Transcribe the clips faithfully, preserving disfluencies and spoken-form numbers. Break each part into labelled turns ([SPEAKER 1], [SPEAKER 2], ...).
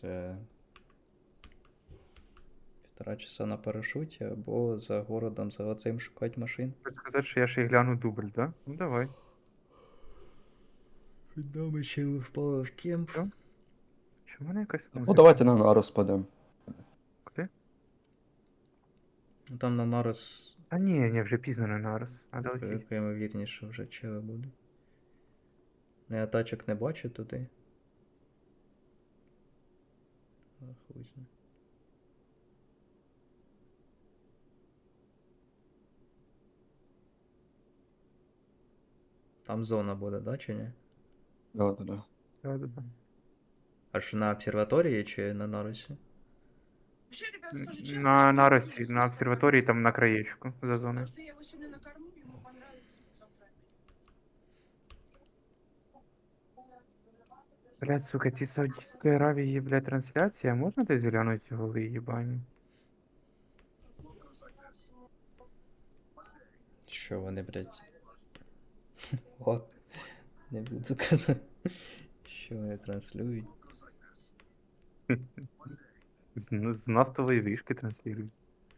[SPEAKER 1] Це півтора часа на парашуті або за городом за оцим шукати машин.
[SPEAKER 2] Хочеш сказати, що я ще й гляну дубль, да? Ну давай.
[SPEAKER 1] Дома ще впав в кемп.
[SPEAKER 2] Що? Чому в мене якась
[SPEAKER 3] Ну
[SPEAKER 2] музика?
[SPEAKER 3] давайте на нарус подем.
[SPEAKER 2] Куди?
[SPEAKER 1] Ну там на нараз
[SPEAKER 2] А ні, ні, вже пізно не нараз. Надо летіть.
[SPEAKER 1] велика ймовірність, що вже чили буде. Ну я тачок не бачу туди. А, хуй знає. Там зона буде, да, чи ні?
[SPEAKER 3] Да, да, да.
[SPEAKER 2] Да, да, да.
[SPEAKER 1] Аж на обсерваторії чи на нарусі?
[SPEAKER 4] Вообще, ребят, скажу честно,
[SPEAKER 2] На
[SPEAKER 4] что
[SPEAKER 2] наросі,
[SPEAKER 4] я
[SPEAKER 2] на обсерваторії, там на краєчку за зоною.
[SPEAKER 4] Потому что я его сегодня накормлю, ему понравится, и завтра.
[SPEAKER 2] Блядь, сука, ці Саудівської Аравії, блядь, трансляція, можна десь глянути голи їбані?
[SPEAKER 1] Що вони, блядь? От. Не буду казати. Що вони транслюють.
[SPEAKER 2] З, з нафтової вишки транслюють.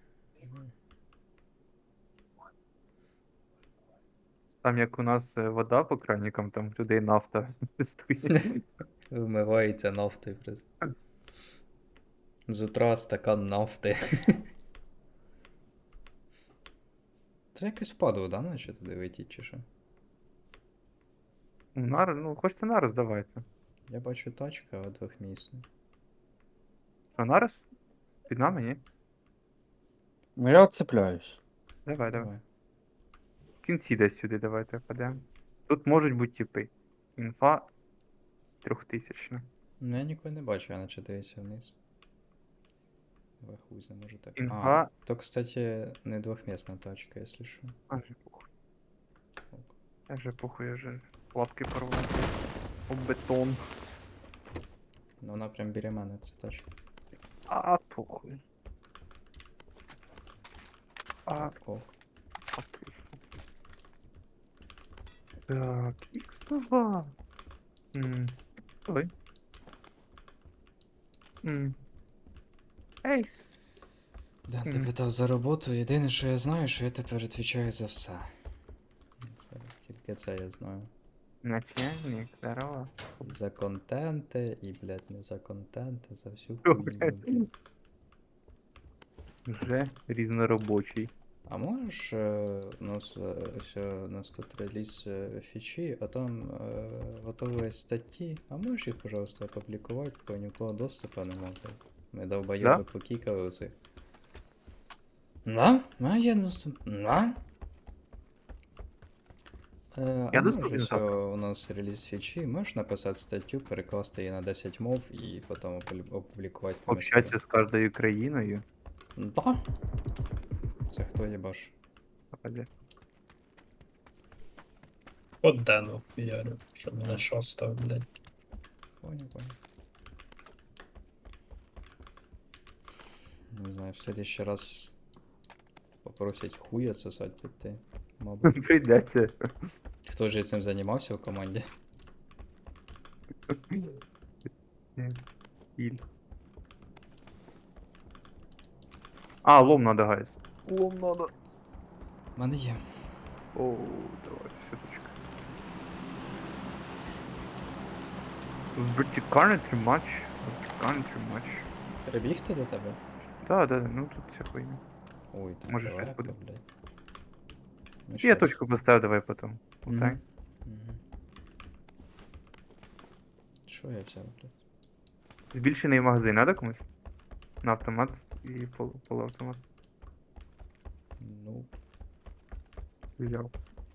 [SPEAKER 2] Там як у нас е, вода по кранікам, там в людей нафта стоїть.
[SPEAKER 1] Вмивається нафтою просто. З утра стакан нафти. Це якось впадло, да, наче туди летіть, чи що?
[SPEAKER 2] Нар, ну, хочете нараз, давайте.
[SPEAKER 1] Я бачу тачка, а двохмісна.
[SPEAKER 2] Що, нараз? Під нами, ні?
[SPEAKER 3] Ну я отцепляюсь.
[SPEAKER 2] Давай, давай.
[SPEAKER 1] Давай.
[SPEAKER 2] В кінці десь сюди давайте впадемо. Тут можуть бути типи. Інфа трьохтисячна.
[SPEAKER 1] Ну я нікого не бачу, я наче дивився вниз. Давай хуй знає, може так.
[SPEAKER 2] Інфа.
[SPEAKER 1] А, то, кстати, не двохмісна тачка, якщо що.
[SPEAKER 2] А, вже похуй. Я вже похуй, я вже лапки порвав. Об бетон.
[SPEAKER 1] Ну вона прям біля мене, ця тачка.
[SPEAKER 2] А, похуй. А,
[SPEAKER 1] О,
[SPEAKER 2] отлично. Так, ікс два. М, Ой. М. Ейс.
[SPEAKER 1] да, ти
[SPEAKER 2] Мгм.
[SPEAKER 1] питав за роботу, єдине, що я знаю, що я тепер відповідаю за все. Це, тільки це я знаю.
[SPEAKER 2] Начальник, здорово.
[SPEAKER 1] За контенти і, блядь, не за контенти, за всю
[SPEAKER 2] Що,
[SPEAKER 1] хуйню.
[SPEAKER 2] блядь?
[SPEAKER 1] блядь.
[SPEAKER 2] Вже різноробочий.
[SPEAKER 1] А можеш е, у нас е, ось е, у нас тут реліз е, фічі, а там е, готові статті. А можеш їх, пожалуйста, опублікувати, бо нікого доступу немає. Ми довбойоби
[SPEAKER 2] Да?
[SPEAKER 1] покікали оцих. На? На, є доступ. На? Е,
[SPEAKER 2] Я
[SPEAKER 1] а
[SPEAKER 2] доступен
[SPEAKER 1] можеш
[SPEAKER 2] завтра.
[SPEAKER 1] е, у нас реліз фічі, можеш написати статтю, перекласти її на десять мов і потім опублі- опублікувати комусь.
[SPEAKER 2] Общатися з кожною країною.
[SPEAKER 1] Да? Це хто їбаш?
[SPEAKER 2] Попаде.
[SPEAKER 5] От Дену ярю, щоб мене шоста, блядь.
[SPEAKER 1] Понял, понял. Не знаю, в следующий раз попросять хуя сосать піти. Мабуть.
[SPEAKER 2] Прийдеться.
[SPEAKER 1] Хто ж цим займався в команді?
[SPEAKER 2] Іль. А, лом надо, гайс. Лом надо.
[SPEAKER 1] У мене є.
[SPEAKER 2] Оу, давай, сіточка. Вертикальний тримач. Вертикальний тримач.
[SPEAKER 1] Треба бігти до тебе?
[SPEAKER 2] Да, да, ну тут вся хуйня.
[SPEAKER 1] Ой, так
[SPEAKER 2] Може, щось
[SPEAKER 1] далеко,
[SPEAKER 2] буде.
[SPEAKER 1] блядь. Ну,
[SPEAKER 2] Я
[SPEAKER 1] щас.
[SPEAKER 2] точку поставив, давай потом.
[SPEAKER 1] Мгм.
[SPEAKER 2] Лутай.
[SPEAKER 1] Мгм. Що я взяв, блядь?
[SPEAKER 2] Збільшений магазин надо комусь? На автомат і пол, полуавтомат.
[SPEAKER 1] Ну,
[SPEAKER 2] Взяв.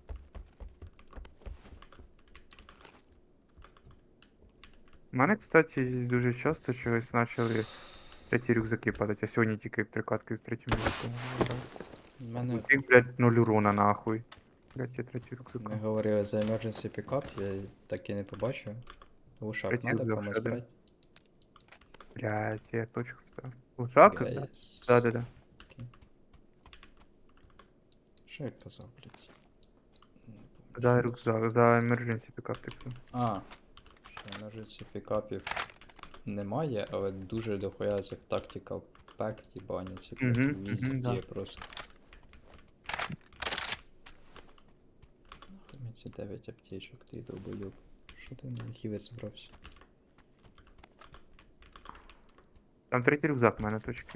[SPEAKER 2] У мене, кстати, дуже часто чогось почали треті рюкзаки падати, а сьогодні тільки трикатки з третім рюкзаком.
[SPEAKER 1] в мене
[SPEAKER 2] Усіх, блядь, нуль урона нахуй. Блядь, я третій рюкзак.
[SPEAKER 1] ми говорили за emergency pickup, я так і не побачив. Глушак
[SPEAKER 2] Третій
[SPEAKER 1] надо
[SPEAKER 2] рюкзак
[SPEAKER 1] комусь
[SPEAKER 2] ще один.
[SPEAKER 1] брати?
[SPEAKER 2] Блядь, я точку вставив. Лужак? Да,
[SPEAKER 1] Гайс.
[SPEAKER 2] да, да. да.
[SPEAKER 1] Що я казав, блядь? Не помню,
[SPEAKER 2] Да,
[SPEAKER 1] що
[SPEAKER 2] рюкзак, да, emergency пікап такий.
[SPEAKER 1] А, що emergency пікапів немає, але дуже дохуя цих tactical pack їбаняться
[SPEAKER 2] Мгм,
[SPEAKER 1] блядь,
[SPEAKER 2] мгм,
[SPEAKER 1] везде
[SPEAKER 2] да.
[SPEAKER 1] просто. Нахуй мені ці дев'ять аптечок, ти долбойоб. Що ти на хіли зібрався?
[SPEAKER 2] Там третій рюкзак в мене точки.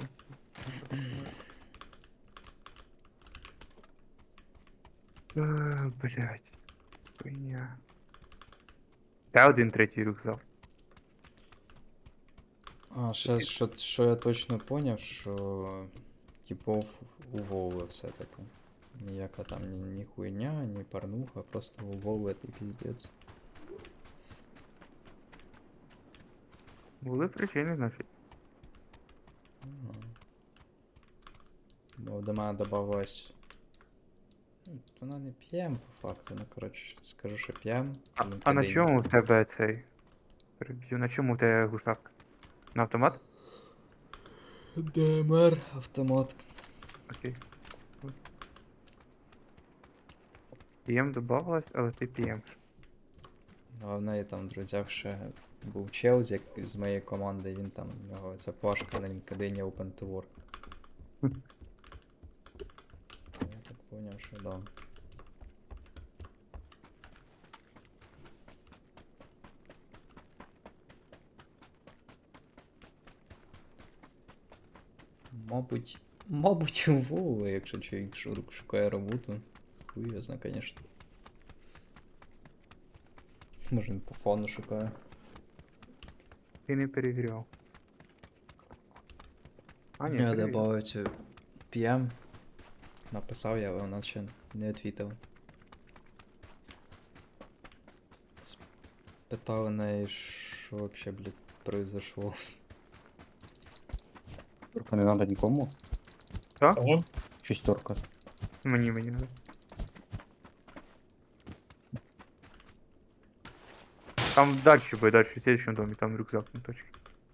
[SPEAKER 2] Е, Блять. Хуйня. Та один третій рюкзак.
[SPEAKER 1] А, ще що, що я точно поняв, що типов у Вови все-таки. Ніяка там ні, ні хуйня, ні порнуха, просто у Вови ти піздець.
[SPEAKER 2] Були причини, значить.
[SPEAKER 1] Ага. Бо до мене добавилось. Ну, вона не п'єм по факту, ну коротше, скажу, що п'єм.
[SPEAKER 2] А, а на чому в тебе цей? Переб'ю, на чому в тебе глушак? На автомат?
[SPEAKER 1] ДМР, автомат.
[SPEAKER 2] Окей. П'єм добавилось, але ти п'єм.
[SPEAKER 1] А в неї там в друзях ще був чел з, як, з моєї команди, він там, у нього ця плашка на LinkedIn Open to Work. Я так поняв, що да. Мабуть, мабуть, у Вовы, якщо чоловік шу- шукає роботу. Хуй його зна, конечно. Може він по фону шукає.
[SPEAKER 2] Ти не перевіряв. А, ні,
[SPEAKER 1] Я
[SPEAKER 2] перевіряв.
[SPEAKER 1] добавив цю пі ем. Написав я, але вона ще не відвітила. Питав у неї, що вообще, блядь, произошло.
[SPEAKER 3] Турка не надо нікому.
[SPEAKER 5] Кого?
[SPEAKER 3] Шістерка.
[SPEAKER 2] Мені, мені надо. Там дальше буде, дальше, в следующем домі, там рюкзак на точці.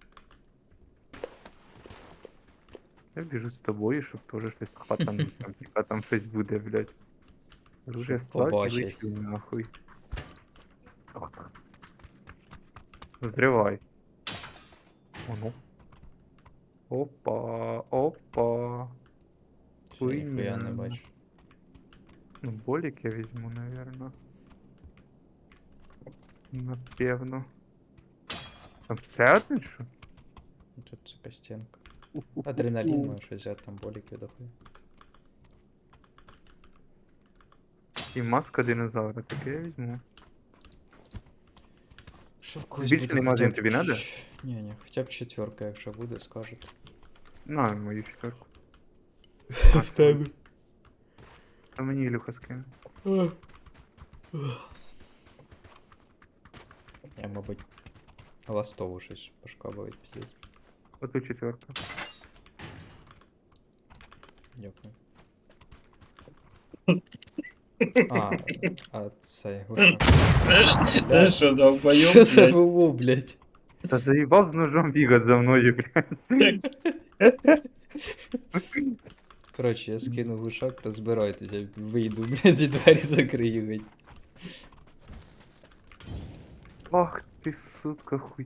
[SPEAKER 2] Я біжу з тобою, щоб теж щось хватанути, там, типа там щось буде, блядь. Уже
[SPEAKER 1] Щоб
[SPEAKER 2] став і
[SPEAKER 1] побачить.
[SPEAKER 2] лечу нахуй. Зривай. О, ну. Опа, опа.
[SPEAKER 1] Ще ніхуя не
[SPEAKER 2] Хуйня.
[SPEAKER 1] бачу.
[SPEAKER 2] Ну, болик я візьму, наверно. Напевно. Там ще один що?
[SPEAKER 1] Ну, тут така стінка. Адреналін може щось взяти, там боліки дохуя.
[SPEAKER 2] І маска динозавра, таке я візьму.
[SPEAKER 1] Що в когось
[SPEAKER 2] Більше
[SPEAKER 1] буде
[SPEAKER 2] нема
[SPEAKER 1] хоча б
[SPEAKER 2] один, тобі надо?
[SPEAKER 1] ч- Ні, ні, хоча б четверка, якщо буде, скажете.
[SPEAKER 2] На мою четверку.
[SPEAKER 1] В тебе.
[SPEAKER 2] А мені Ілюха скине.
[SPEAKER 1] Я, мабуть, ластову щось пошкабувати, піздець.
[SPEAKER 2] Оту четверку.
[SPEAKER 1] Дякую. А, а це Гоша.
[SPEAKER 5] Ти що, долбойоб,
[SPEAKER 1] Що це
[SPEAKER 5] блядь?
[SPEAKER 1] було, блядь?
[SPEAKER 2] Та заїбав з ножом бігати за мною, блядь.
[SPEAKER 1] Коротше, я скину глушак, розбирайтеся, вийду, блядь, зі двері закрию, геть.
[SPEAKER 2] Ах ти, сука, хуй.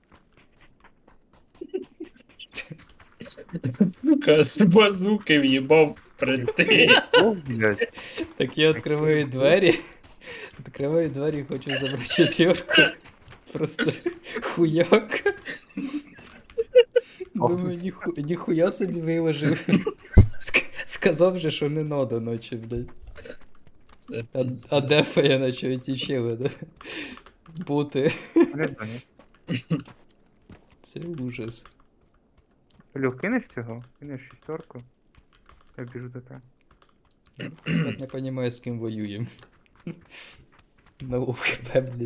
[SPEAKER 5] Сука, з базуки в'їбав прийти.
[SPEAKER 2] О, блядь.
[SPEAKER 1] Так я відкриваю двері. Відкриваю двері, хочу забрати четверку. Просто хуяк. Думаю, ніху, ніхуя собі виложив. Ск- Сказав же, що не надо ночі, блядь. А, а дефа я наче тічили, да? Бути.
[SPEAKER 2] Не знаю.
[SPEAKER 1] Це ужас.
[SPEAKER 2] Люк, кинеш цього? Кинеш шістерку? Я біжу до тебе.
[SPEAKER 1] Я не розумію, з ким воюємо. На УХП, блядь.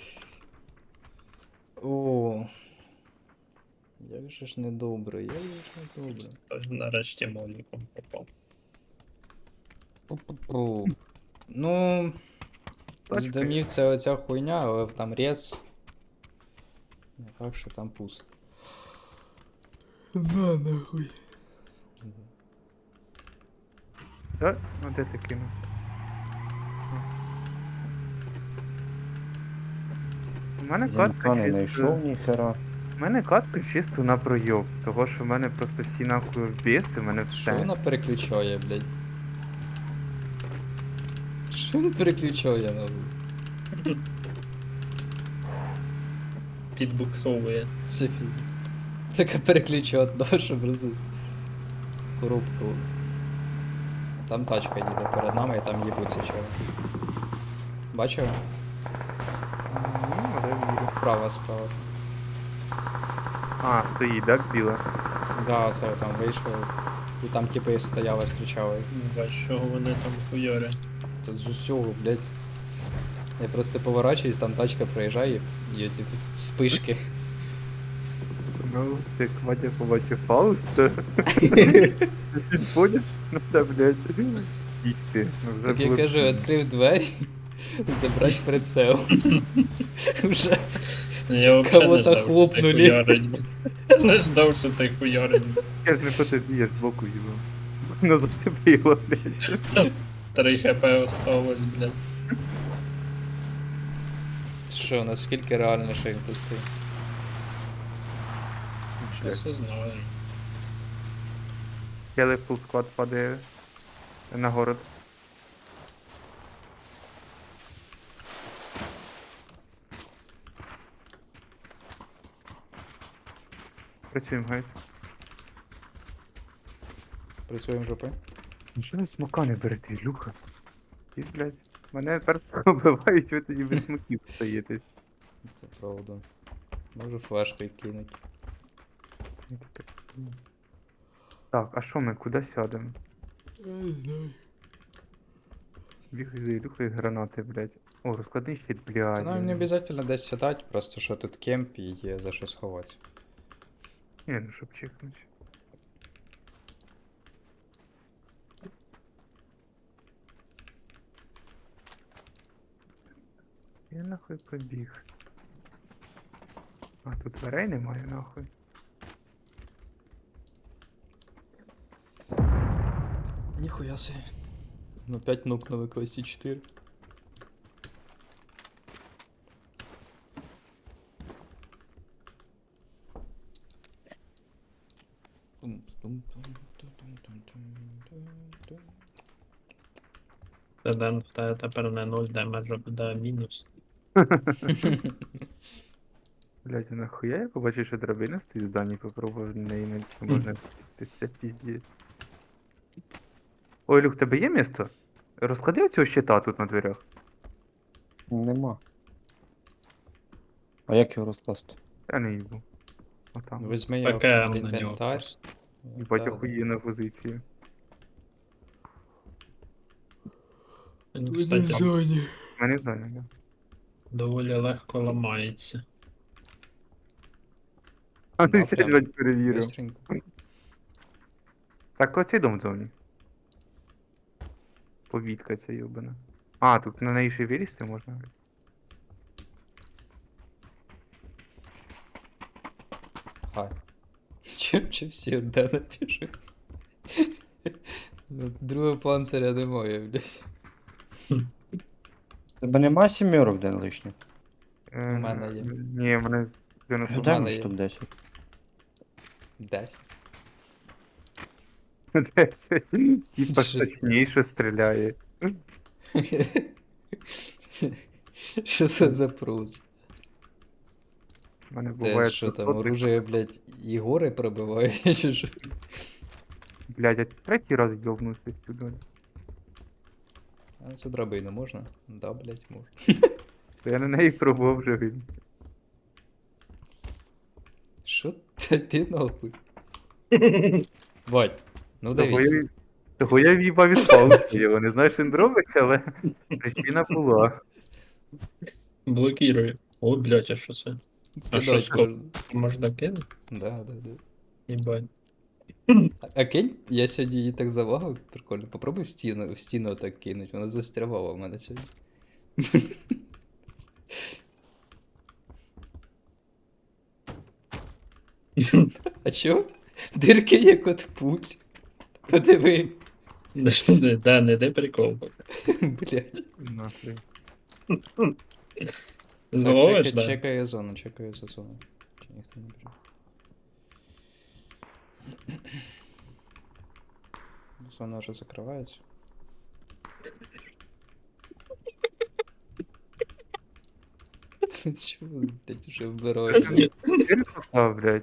[SPEAKER 1] О. Як же ж недобре, як же ж недобре.
[SPEAKER 5] Тож нарешті моліком попав.
[SPEAKER 1] Пу-пу-пу. Ну. З
[SPEAKER 2] Точки.
[SPEAKER 1] домів це оця хуйня, але там рез. Не факт, що там пусто. На нахуй.
[SPEAKER 2] Так? Ну де ти кинув? У мене
[SPEAKER 3] Я
[SPEAKER 2] катка
[SPEAKER 3] ніхто не
[SPEAKER 2] ще
[SPEAKER 3] знайшов ніхера.
[SPEAKER 2] У мене катка чисто на пройоб, того що в мене просто всі нахуй вбіси, в мене
[SPEAKER 1] Що
[SPEAKER 2] все.
[SPEAKER 1] вона переключає, блядь? Що він переключає, нахуй?
[SPEAKER 5] Підбуксовує.
[SPEAKER 1] Це фі... Така переключає одного, щоб розус. Коробку. Там тачка їде перед нами і там їбуться чого. Бачив?
[SPEAKER 2] Ну, але вірю.
[SPEAKER 1] Справа, справа.
[SPEAKER 2] А, стоїть, так, біла?
[SPEAKER 1] Да, оце я там вийшов. І там типи стояли, зустрічали.
[SPEAKER 5] Бач, що вони там хуярять.
[SPEAKER 1] Це з усього, блядь. Я просто поворачуюсь, там тачка проїжджає, і ці спишки.
[SPEAKER 2] Ну, це як Вадя побачив Фауста. Підходиш, ну да, блядь. Їсти. Ну, вже
[SPEAKER 1] Так я
[SPEAKER 2] було
[SPEAKER 1] кажу,
[SPEAKER 2] пізно.
[SPEAKER 1] відкрив двері, забрать прицел. Уже
[SPEAKER 5] Я взагалі не
[SPEAKER 1] Кого-то
[SPEAKER 5] ждав, що ти
[SPEAKER 1] хлопнули.
[SPEAKER 5] хуярить. Я не ждав, що ти хуярить.
[SPEAKER 2] Я ж не по тобі, я ж збоку їбав. Воно зацепило, блядь.
[SPEAKER 5] Три хп осталось, блядь.
[SPEAKER 1] Що, наскільки реально, що він тут стоїть?
[SPEAKER 5] Щас узнаю.
[SPEAKER 2] Келе фул склад падає на город. Працюємо, гайс.
[SPEAKER 1] Працюємо жопи?
[SPEAKER 2] Ну що ви смока не берете, Ілюха? Ти, блядь, мене тепер пробивають, ви тоді без смоків стоїте.
[SPEAKER 1] Це правда. Можу флешкою кинуть.
[SPEAKER 2] Я таке, ну. Так, а що ми, куди сядемо? Бігай за Ілюхою гранати, блядь. О, розкладний щит,
[SPEAKER 1] Та
[SPEAKER 2] блядь.
[SPEAKER 1] нам не обов'язково десь сідати, просто що тут кемп і є за що сховати.
[SPEAKER 2] Ні, ну щоб чекнути. Я нахуй побіг. А, тут дверей немає, нахуй.
[SPEAKER 1] Ніхуя собі. Ну п'ять нукнули класі чотири.
[SPEAKER 5] Ден в тебе тепер не нуль демеджа буде мінус.
[SPEAKER 2] Блядь, а нахуя я побачив, що драбина стоїть в здані, попробував на неї не чи можна спуститися, піздець. Ой, Люк, тебе є місто? Розклади цього щита тут на дверях.
[SPEAKER 3] Нема. А як його розкласти?
[SPEAKER 2] Я не їбу. Отам.
[SPEAKER 1] Візьми його
[SPEAKER 5] Таке
[SPEAKER 1] в
[SPEAKER 5] на нього
[SPEAKER 1] інвентар.
[SPEAKER 5] просто.
[SPEAKER 2] Їбать
[SPEAKER 1] Та,
[SPEAKER 2] охуєнна позиція.
[SPEAKER 5] Він, кстати,
[SPEAKER 2] У мене в зоні, да.
[SPEAKER 5] доволі легко ламається.
[SPEAKER 2] А
[SPEAKER 1] Да,
[SPEAKER 2] ну сядь,
[SPEAKER 1] прям
[SPEAKER 2] блядь, перевірив.
[SPEAKER 1] Быстренько.
[SPEAKER 2] Так, оцей дом в зоні. Повітка ця йобана. А, тут на неї ще й вилізти можна.
[SPEAKER 1] Хай. Чим чи всі одне напишу? Ну, другого панциря немає, блядь.
[SPEAKER 3] Тебе нема сімерок день лишніх?
[SPEAKER 2] Е,
[SPEAKER 1] У мене є.
[SPEAKER 2] Ні, в мене дев'яносто
[SPEAKER 3] Дай
[SPEAKER 1] мене
[SPEAKER 3] мені
[SPEAKER 1] є.
[SPEAKER 3] штук десять.
[SPEAKER 1] Десять.
[SPEAKER 2] десять. Типа
[SPEAKER 1] Що?
[SPEAKER 2] точніше стріляє.
[SPEAKER 1] Що це за прус?
[SPEAKER 2] У мене
[SPEAKER 1] Те,
[SPEAKER 2] буває
[SPEAKER 1] що там,
[SPEAKER 2] тридцять.
[SPEAKER 1] оружие, блядь, і гори пробиває, чи що?
[SPEAKER 2] Блядь, я третій раз йобнувся сюди.
[SPEAKER 1] А на цю драбину можна? Да, блядь, можна.
[SPEAKER 2] То я на неї пробував вже він.
[SPEAKER 1] Що ти, ти нахуй? Бать, ну
[SPEAKER 2] Того
[SPEAKER 1] дивись.
[SPEAKER 2] я, того я в'їбав із палки його. Не знаю, що він робить, але причина була.
[SPEAKER 5] Блокірую. О, блядь, а що це? А що,
[SPEAKER 1] Кидать
[SPEAKER 5] стоп?
[SPEAKER 1] можна.
[SPEAKER 5] Можна кинути?
[SPEAKER 1] Да, да, да.
[SPEAKER 5] Їбать.
[SPEAKER 1] А, а кинь, я сьогодні її так завагав, прикольно. Попробуй в стіну, в стіну так кинуть, вона застрявала в мене сьогодні. А чо? Дирки як от пуль. Подиви.
[SPEAKER 5] Да, не де прикол.
[SPEAKER 1] Блять.
[SPEAKER 2] Нахуй.
[SPEAKER 5] Зловиш,
[SPEAKER 1] чекай,
[SPEAKER 5] да?
[SPEAKER 1] чекаю зону, чекаю за зону. Чи ніхто не бере? Зона вже закривається. Чого ви, блядь, вже вбираєте?
[SPEAKER 2] Ти попав, блядь.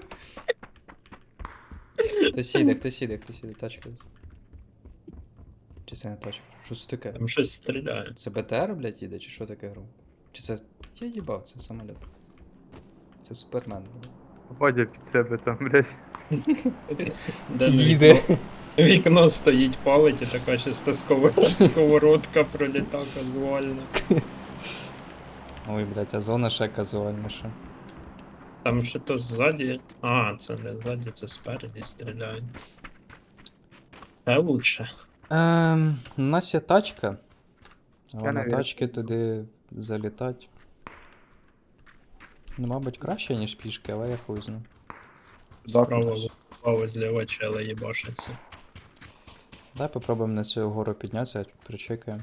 [SPEAKER 1] Хтось їде, хтось їде, хтось їде, тачка. Чи це не тачка? Що це таке?
[SPEAKER 5] Там щось стріляє.
[SPEAKER 1] Це БТР, блядь, їде, чи що таке гром? Чи це. Я їбав, це самоліт. Це супермен, блядь.
[SPEAKER 2] Водя під себе там, блядь.
[SPEAKER 5] Де вікно, вікно стоїть, палить і така чиста сковород- сковородка проліта казуально.
[SPEAKER 1] Ой, блядь, а зона ще казуальніша.
[SPEAKER 5] Там ще то ззаді. А, це не ззаді, це спереді стріляють. Це лучше.
[SPEAKER 1] Ем, у нас є тачка. А
[SPEAKER 2] Я
[SPEAKER 1] на
[SPEAKER 2] не
[SPEAKER 1] тачки туди залітати. Ну, мабуть, краще, ніж пішки, але я хуй знаю.
[SPEAKER 5] Справа, справа, зліва чела їбашиться.
[SPEAKER 1] Давай попробуємо на цю гору піднятися, причекаємо.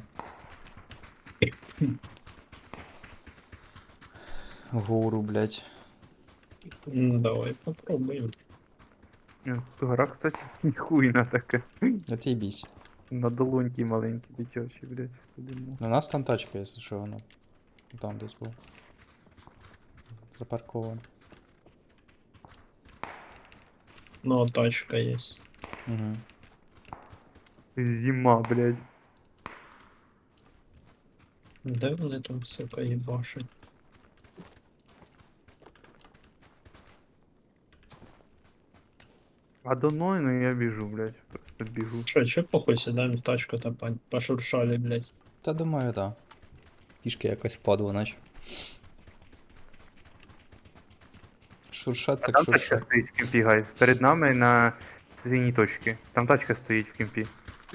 [SPEAKER 1] Гору, блядь.
[SPEAKER 5] Ну, давай попробуємо.
[SPEAKER 2] Ну, тут гора, кстати, ніхуйна таке.
[SPEAKER 1] Отъебись.
[SPEAKER 2] На долоньки маленькі, дитячі, блядь. Подумав.
[SPEAKER 1] У нас там тачка, якщо що, вона. Там десь був. Запаркована.
[SPEAKER 5] Ну, тачка є.
[SPEAKER 1] Угу.
[SPEAKER 2] Зима, блядь.
[SPEAKER 5] Де вони там, сука, їбашать?
[SPEAKER 2] А до мною, ну я біжу, блядь. Просто бігу.
[SPEAKER 5] Що, чи похуй сідаємо в тачку та по- пошуршали, блядь.
[SPEAKER 1] Та думаю, так. Да. Пішки якось впадло, наче. Шуршат
[SPEAKER 2] А
[SPEAKER 1] так
[SPEAKER 2] там тачка
[SPEAKER 1] шуршат.
[SPEAKER 2] стоїть в кемпі, гайз. Перед нами на синій точці. Там тачка стоїть в кемпі.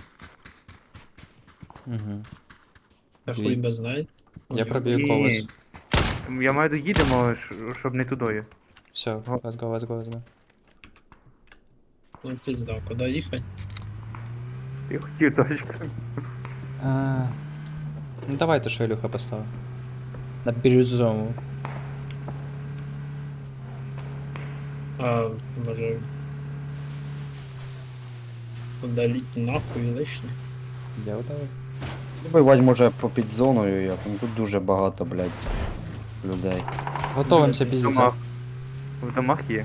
[SPEAKER 1] Угу.
[SPEAKER 5] Та
[SPEAKER 1] Дві.
[SPEAKER 5] хуй би знає.
[SPEAKER 1] Я
[SPEAKER 5] Ой,
[SPEAKER 1] проб'ю
[SPEAKER 2] Ні.
[SPEAKER 1] колес.
[SPEAKER 2] Я маю доїдемо, ш- щоб не тудою.
[SPEAKER 1] Все, let's go, let's go, let's go.
[SPEAKER 5] Ну, пізда, куди їхати?
[SPEAKER 2] Я хотів тачку.
[SPEAKER 1] А, ну давайте, що Ілюха поставив. На бірюзову.
[SPEAKER 5] А, може... Удаліть нахуй лишнє.
[SPEAKER 1] Я давай.
[SPEAKER 3] Вбивати може по під зоною, як ну, тут дуже багато, блядь, людей.
[SPEAKER 1] Готовимося
[SPEAKER 2] В
[SPEAKER 1] піздіться.
[SPEAKER 2] домах. В домах є.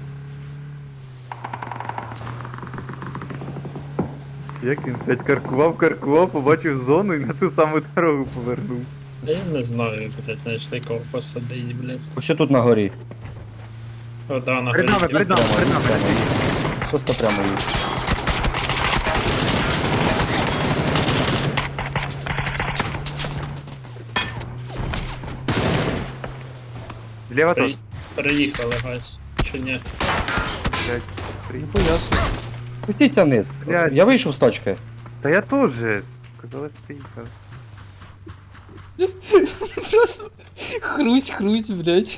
[SPEAKER 2] Як він, блядь, каркував, каркував, побачив зону і на ту саму дорогу повернув.
[SPEAKER 5] Та я не знаю, блядь, знайшли кого посадить, блядь.
[SPEAKER 3] Ось тут на горі.
[SPEAKER 5] О, да, на
[SPEAKER 2] Перед нами,
[SPEAKER 5] горі.
[SPEAKER 2] перед нами,
[SPEAKER 3] Прямо,
[SPEAKER 2] перед нами.
[SPEAKER 3] прямо. Просто прямо їх.
[SPEAKER 2] Зліва
[SPEAKER 5] При...
[SPEAKER 2] тут.
[SPEAKER 5] Приїхали, гайс. Чи ні?
[SPEAKER 2] Блядь,
[SPEAKER 1] Ну
[SPEAKER 2] приїхав.
[SPEAKER 1] поясно.
[SPEAKER 3] Спустіться вниз.
[SPEAKER 2] Блядь.
[SPEAKER 3] Я вийшов з точки.
[SPEAKER 2] Та я теж. Казали, приїхав.
[SPEAKER 1] Просто хрусь, хрусь, блядь.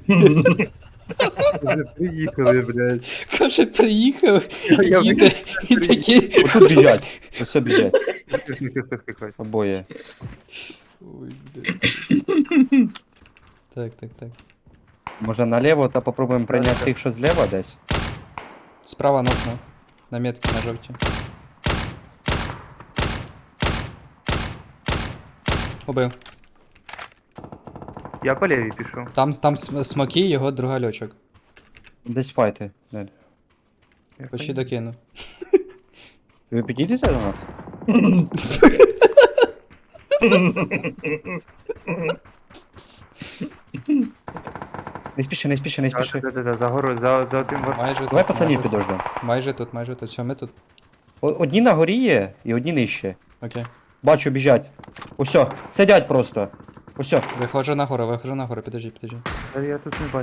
[SPEAKER 2] Вже приїхали, блядь.
[SPEAKER 1] Каже, приїхав,
[SPEAKER 2] Я
[SPEAKER 1] їде і такий.
[SPEAKER 3] Отут біжать. Ось біжать.
[SPEAKER 2] Щось не чисто втикать.
[SPEAKER 3] Обоє.
[SPEAKER 1] Ой, блядь. Так, так, так.
[SPEAKER 3] Може наліво та попробуємо прийняти тих, що зліва десь.
[SPEAKER 1] Справа нокнув. На метки на жовті. Убив.
[SPEAKER 2] Я по лівій пішов.
[SPEAKER 1] Там, там см- смоки, його друга льочок.
[SPEAKER 3] Десь файти. Далі.
[SPEAKER 2] Я
[SPEAKER 1] Почти
[SPEAKER 2] понял.
[SPEAKER 1] докинув.
[SPEAKER 3] Ви підійдете до нас? Не спіши, не спіши, не
[SPEAKER 2] Так,
[SPEAKER 3] спіши.
[SPEAKER 2] да, да, да, за гору, за, за цим гор...
[SPEAKER 1] Майже
[SPEAKER 3] Давай
[SPEAKER 1] тут,
[SPEAKER 3] пацанів
[SPEAKER 1] майже,
[SPEAKER 3] підождемо.
[SPEAKER 1] майже тут, майже тут. Все, ми тут.
[SPEAKER 3] О- Одні на горі є і одні нижче.
[SPEAKER 1] Окей.
[SPEAKER 3] Бачу, біжать. Усьо, сидять просто. Усьо.
[SPEAKER 1] Виходжу на гору, виходжу на гору, підожди, підожди.
[SPEAKER 2] Та я тут не бачу.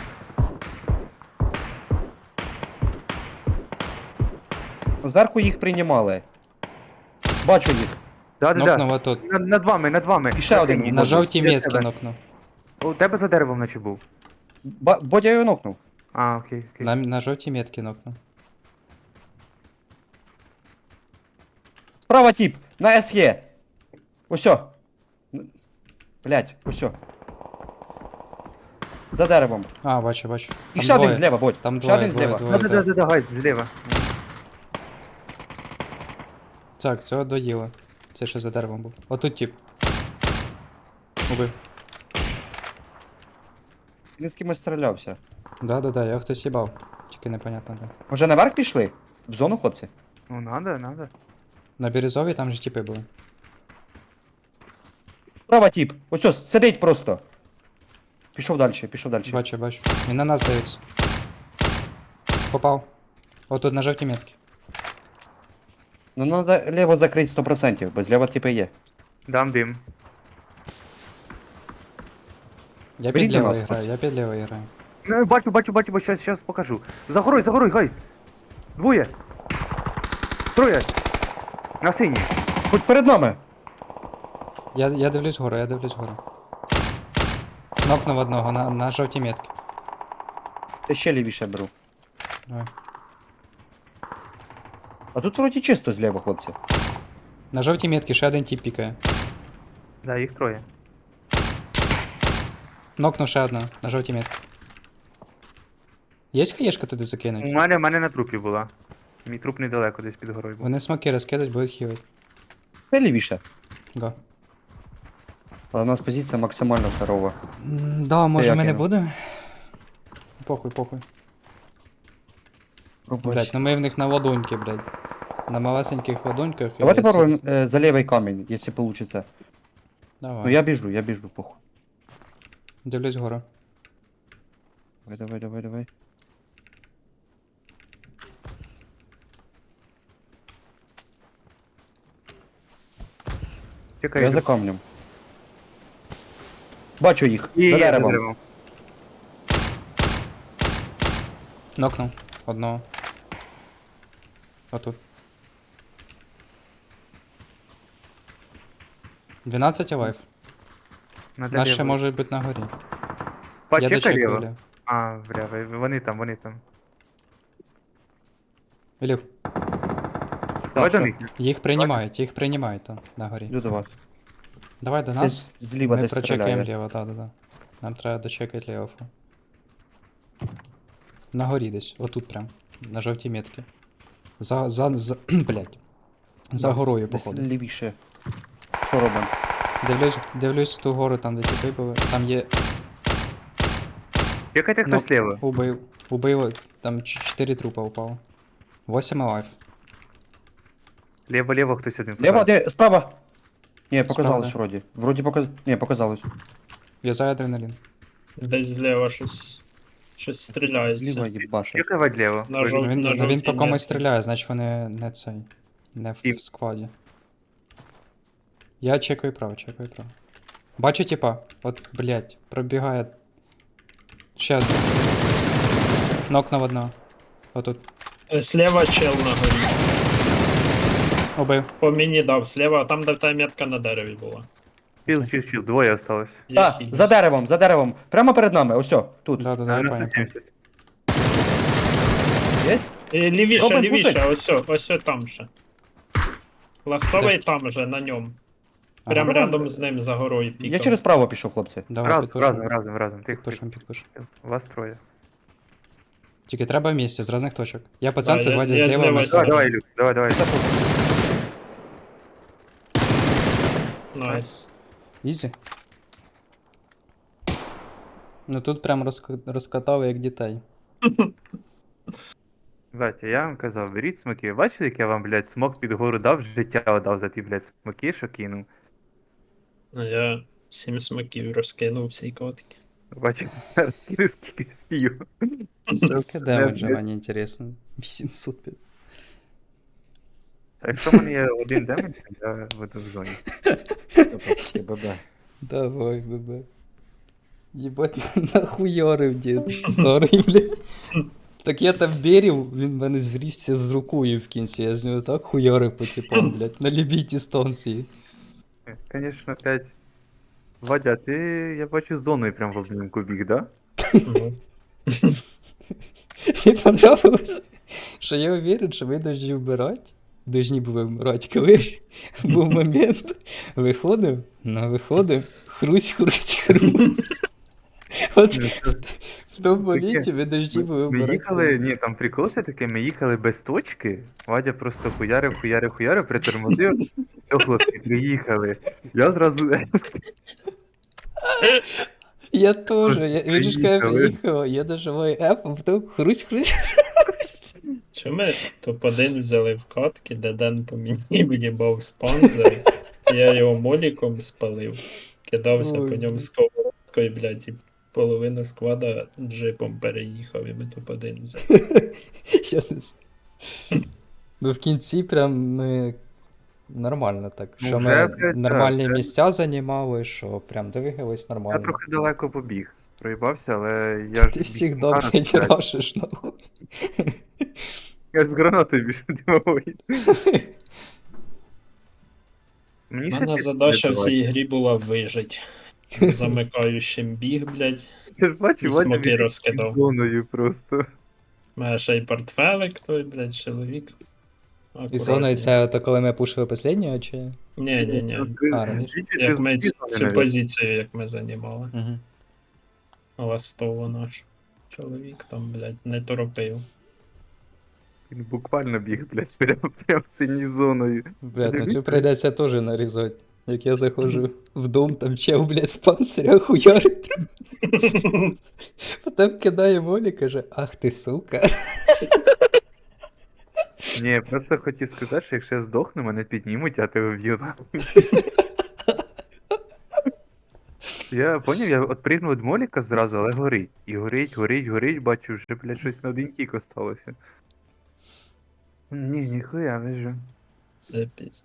[SPEAKER 3] Зверху їх приймали. Бачу їх.
[SPEAKER 2] Да, да,
[SPEAKER 1] Нокнув
[SPEAKER 2] да.
[SPEAKER 1] отут.
[SPEAKER 2] Над, над вами, над вами.
[SPEAKER 3] І ще один.
[SPEAKER 2] Ні,
[SPEAKER 1] На
[SPEAKER 3] Ні,
[SPEAKER 1] жовтій
[SPEAKER 2] біля
[SPEAKER 1] метки
[SPEAKER 2] тебе.
[SPEAKER 1] нокнув.
[SPEAKER 2] У тебе за деревом наче був.
[SPEAKER 3] Ба- Бодя його нокнув.
[SPEAKER 2] А, окей, окей.
[SPEAKER 1] На, на жовтій метки нокнув.
[SPEAKER 3] Справа тип, на СЕ. Усьо. Н- Блять, усьо. За деревом.
[SPEAKER 6] А, бачу, бачу.
[SPEAKER 3] І
[SPEAKER 6] Там
[SPEAKER 3] ще один
[SPEAKER 6] двоє.
[SPEAKER 3] зліва, Бодь.
[SPEAKER 6] Там
[SPEAKER 3] Ще
[SPEAKER 6] двоє,
[SPEAKER 3] один
[SPEAKER 6] двоє,
[SPEAKER 3] зліва.
[SPEAKER 6] двоє.
[SPEAKER 2] Да, да, да, да, гайз, зліва.
[SPEAKER 6] Так, цього доїло. Це ще за деревом був. Отут тип. Убив.
[SPEAKER 3] Він з кимось стрілявся.
[SPEAKER 6] Да-да-да, я хтось їбав. Тільки непонятно де.
[SPEAKER 3] Може наверх пішли? В зону, хлопці?
[SPEAKER 2] Ну, надо, надо.
[SPEAKER 6] На Бірюзовій там же типи були.
[SPEAKER 3] Справа тіп. Оцьо, сидить просто. Пішов далі, пішов далі.
[SPEAKER 6] Бачу, бачу. Він на нас дивиться. Попав. Отут на жовтій метці.
[SPEAKER 3] Ну треба ліво закрити сто відсотків, бо зліва типи є.
[SPEAKER 2] Дам дим.
[SPEAKER 6] Я
[SPEAKER 3] Беріть
[SPEAKER 6] під
[SPEAKER 3] до
[SPEAKER 6] лівою
[SPEAKER 3] нас,
[SPEAKER 6] граю, я під лівою граю.
[SPEAKER 2] Ну, бачу, бачу, бачу, бачу, щас, щас покажу. За горой, за горой, гайз. Двоє. Троє. На синій.
[SPEAKER 3] Будь перед нами.
[SPEAKER 6] Я, я дивлюсь вгору, я дивлюсь вгору. Нокнув одного на, на жовтій метці.
[SPEAKER 3] Я ще лівіше беру.
[SPEAKER 6] Давай.
[SPEAKER 3] А тут вроді чисто зліва, хлопці.
[SPEAKER 6] На жовтій метці ще один тип пікає.
[SPEAKER 2] Да, їх троє.
[SPEAKER 6] Нокнув ще одного на жовтій метці. Є хаєшка туди
[SPEAKER 2] У
[SPEAKER 6] закинуть?
[SPEAKER 2] мене, у мене на трупі була. Мій труп недалеко десь під горою був.
[SPEAKER 6] Вони смоки розкидать, будуть хілити.
[SPEAKER 3] Ще лівіше.
[SPEAKER 6] Го.
[SPEAKER 3] Але у нас позиція максимально здорова.
[SPEAKER 6] М, Да, може
[SPEAKER 3] як
[SPEAKER 6] ми не
[SPEAKER 3] я?
[SPEAKER 6] будемо? Похуй, похуй.
[SPEAKER 3] Пробач.
[SPEAKER 6] Блять, ну ми в них на ладоньки, блядь. На малесеньких ладоньках.
[SPEAKER 3] Давайте
[SPEAKER 6] е,
[SPEAKER 3] попробуємо
[SPEAKER 6] сі-
[SPEAKER 3] е, за лівий камінь, якщо вийде.
[SPEAKER 6] Давай.
[SPEAKER 3] Ну я біжу, я біжу, похуй.
[SPEAKER 6] Дивлюсь гору.
[SPEAKER 3] Давай, давай, давай, давай.
[SPEAKER 2] Чекай,
[SPEAKER 3] Я
[SPEAKER 2] йду.
[SPEAKER 3] за камнем. Бачу їх,
[SPEAKER 2] Є,
[SPEAKER 3] за
[SPEAKER 2] є, за
[SPEAKER 3] деревом.
[SPEAKER 2] деревом.
[SPEAKER 6] Нокнув. Одного. Отут. дванадцять лайф.
[SPEAKER 2] На
[SPEAKER 6] Наш ще
[SPEAKER 2] дерево.
[SPEAKER 6] може бути на горі. Я
[SPEAKER 2] Почекай
[SPEAKER 6] дочекаю.
[SPEAKER 2] ліво.
[SPEAKER 6] Ілю.
[SPEAKER 2] А, бля, ви- вони там, вони там.
[SPEAKER 6] Ілю,
[SPEAKER 2] Давай
[SPEAKER 3] що?
[SPEAKER 2] до них.
[SPEAKER 6] їх приймають, їх приймають там, на горі.
[SPEAKER 3] Йду до вас.
[SPEAKER 6] Давай до нас.
[SPEAKER 3] Десь зліва
[SPEAKER 6] Ми
[SPEAKER 3] десь
[SPEAKER 6] прочекаємо
[SPEAKER 3] стріляє.
[SPEAKER 6] ліво, так, так, так. Нам треба дочекати ліво. На горі десь, отут прям. На жовтій метці. За, за, за, блядь. За горою,
[SPEAKER 3] Десь
[SPEAKER 6] походу.
[SPEAKER 3] лівіше. Що робимо?
[SPEAKER 6] Дивлюсь, дивлюсь ту гору, там де ті були. Там є.
[SPEAKER 2] Чекайте
[SPEAKER 6] Ну,
[SPEAKER 2] хтось ліво.
[SPEAKER 6] Убив. Убив, там чотири трупа упало. восемь лайф.
[SPEAKER 2] Ліво, ліво хтось один.
[SPEAKER 3] Ліва,
[SPEAKER 2] показав.
[SPEAKER 3] де? Справа. Ні, показалось
[SPEAKER 6] Справа.
[SPEAKER 3] вроді. Вроді показ... Ні, показалось.
[SPEAKER 6] В'язаю адреналін.
[SPEAKER 5] Десь зліва щось. Щось стріляється.
[SPEAKER 3] Зліва їбаше.
[SPEAKER 2] Чекай вать ліво.
[SPEAKER 5] На
[SPEAKER 2] Ви-
[SPEAKER 5] жов-
[SPEAKER 6] Ну, він,
[SPEAKER 5] на
[SPEAKER 6] ну, він
[SPEAKER 5] жовтій
[SPEAKER 6] по комусь
[SPEAKER 5] метці.
[SPEAKER 6] стріляє, значить вони не цей. Не в,
[SPEAKER 2] І-
[SPEAKER 6] в складі. Я чекаю право, чекаю право. Бачу, типа, от, блядь, пробігає. Ще один. Нокнув одного. Отут.
[SPEAKER 5] Е, Слева чел на горі.
[SPEAKER 6] Убив.
[SPEAKER 5] По мені дав слева, там де та метка на дереві була.
[SPEAKER 2] Чіл, чіл, чіл, двоє осталось.
[SPEAKER 3] Так,
[SPEAKER 5] Який?
[SPEAKER 3] за деревом, за деревом. Прямо перед нами, ось о, тут.
[SPEAKER 6] Да, да, да, я
[SPEAKER 2] На
[SPEAKER 6] понял.
[SPEAKER 2] сто сімдесят.
[SPEAKER 3] Єсть?
[SPEAKER 5] Е, Лівіше,
[SPEAKER 3] Робимо
[SPEAKER 5] лівіше,
[SPEAKER 3] пушить?
[SPEAKER 5] ось, о, ось о там ще. Ластовий там же, на ньому.
[SPEAKER 6] Ага.
[SPEAKER 5] Прям
[SPEAKER 3] Ага.
[SPEAKER 5] рядом з ним за горою пікав.
[SPEAKER 3] Я через право пішов, хлопці.
[SPEAKER 6] Давай,
[SPEAKER 2] Разом,
[SPEAKER 6] підпушимо.
[SPEAKER 2] разом, разом, разом. Тихо,
[SPEAKER 6] Підпушимо, підпушимо.
[SPEAKER 2] тихо. Вас троє.
[SPEAKER 6] Тільки треба в місці, з різних точок. Я по
[SPEAKER 5] Да,
[SPEAKER 6] центру,
[SPEAKER 5] я-
[SPEAKER 6] Владя
[SPEAKER 5] я
[SPEAKER 6] зліва,
[SPEAKER 5] зліва
[SPEAKER 6] ми
[SPEAKER 5] сюди.
[SPEAKER 2] Давай,
[SPEAKER 6] справа.
[SPEAKER 2] давай, Люк, давай, давай.
[SPEAKER 5] Найс.
[SPEAKER 6] Ізі. Ну тут прям розк- розкатав як дітей.
[SPEAKER 2] Батя, я вам казав, беріть смоки. Ви бачили, як я вам, блядь, смок під гору дав, життя отдав за ті, блядь, смоки, що кинув.
[SPEAKER 5] А я сім смаків розкинув всі котики.
[SPEAKER 2] Бачив, скину скільки спію.
[SPEAKER 6] Скільки демеджа,
[SPEAKER 2] блядь.
[SPEAKER 6] мені інтересно. вісімсот п'ять.
[SPEAKER 2] А якщо в мене є один демедж, я буду в зоні.
[SPEAKER 3] ББ.
[SPEAKER 6] Давай, бебе. Єбать, нахуйорив дід старий, блядь. Так я там берів, він в мене зрісся з рукою в кінці, я з нього так хуйорив по типам, блядь, на любій дистанції.
[SPEAKER 2] Конечно, опять. Вадя, ти, я бачу, зоною прям в обнімку біг, да?
[SPEAKER 5] Мгм.
[SPEAKER 6] Мені понравилось, що я уверен, що ви должны вбирати, должны були вбирати, коли був момент, виходив, ну виходив, хрусь, хрусь, хрусь. От
[SPEAKER 2] Ну, це
[SPEAKER 6] в тому
[SPEAKER 2] таке.
[SPEAKER 6] моменті ви дожді були
[SPEAKER 2] Ми
[SPEAKER 6] обирати.
[SPEAKER 2] їхали, ні, там прикол ще таке, ми їхали без точки, Вадя просто хуярив, хуярив, хуярив, притормозив, то хлопці приїхали. Я зразу
[SPEAKER 6] Я теж, я, він ж каже,
[SPEAKER 2] Приїхали.
[SPEAKER 6] приїхав, я нажимаю F, а потім хрусь-хрусь.
[SPEAKER 5] Що ми топ-один взяли в катки, де Ден по мені в'їбав спанзер, я його моліком спалив, кидався
[SPEAKER 6] Ой,
[SPEAKER 5] по ньому
[SPEAKER 6] блін.
[SPEAKER 5] сковородкою, блядь, і половину сквада джипом переїхав, і ми топ-один взяли.
[SPEAKER 6] Я не знаю. Ну в кінці прям ми нормально так.
[SPEAKER 2] Ну,
[SPEAKER 6] Що
[SPEAKER 2] вже,
[SPEAKER 6] ми
[SPEAKER 2] блядь,
[SPEAKER 6] нормальні
[SPEAKER 2] так, це-
[SPEAKER 6] місця займали, що прям двигались
[SPEAKER 2] Я
[SPEAKER 6] нормально.
[SPEAKER 2] трохи далеко побіг. Проїбався, але я ж.
[SPEAKER 6] Ти
[SPEAKER 2] біг
[SPEAKER 6] всіх
[SPEAKER 2] гарно,
[SPEAKER 6] блядь,
[SPEAKER 2] блядь.
[SPEAKER 6] рашиш, нахуй.
[SPEAKER 2] Я ж з гранатою більше димової.
[SPEAKER 5] У
[SPEAKER 2] Мені ще
[SPEAKER 5] мене
[SPEAKER 2] ти
[SPEAKER 5] задача в
[SPEAKER 2] давай.
[SPEAKER 5] цій грі була вижить. Замикаючим біг, блядь.
[SPEAKER 2] Ти ж бачив,
[SPEAKER 5] і
[SPEAKER 2] Вадя
[SPEAKER 5] смоки
[SPEAKER 2] біг
[SPEAKER 5] розкидав.
[SPEAKER 2] під зоною просто.
[SPEAKER 5] У мене ще й портфелик той, блядь, чоловік.
[SPEAKER 6] І зоною це то коли ми пушили останнього, чи?
[SPEAKER 5] Ні, ні, ні.
[SPEAKER 6] А, раніше.
[SPEAKER 2] Двічі
[SPEAKER 5] Як
[SPEAKER 2] ти
[SPEAKER 5] ми
[SPEAKER 2] з-
[SPEAKER 5] ц- цю позицію, як ми займали.
[SPEAKER 6] Угу.
[SPEAKER 5] Ластово наш чоловік там, блядь, не торопив.
[SPEAKER 2] Він буквально біг, блядь, прям, прям синій зоною.
[SPEAKER 6] Блядь, ну
[SPEAKER 2] Дивіться.
[SPEAKER 6] цю прийдеться теж нарізати. Як я заходжу в дом, там чел, блядь, з панциря хуярить. Потім кидає молі, каже, ах ти сука.
[SPEAKER 2] Ні, я просто хотів сказати, що якщо я здохну, мене піднімуть, а тебе вб'ють. Я поняв, я от пригнув від моліка зразу, але горить. І горить, горить, горить, бачу, вже, блядь, щось на один кік осталося. Ні, ніхуя, вижу.
[SPEAKER 5] Це пізд.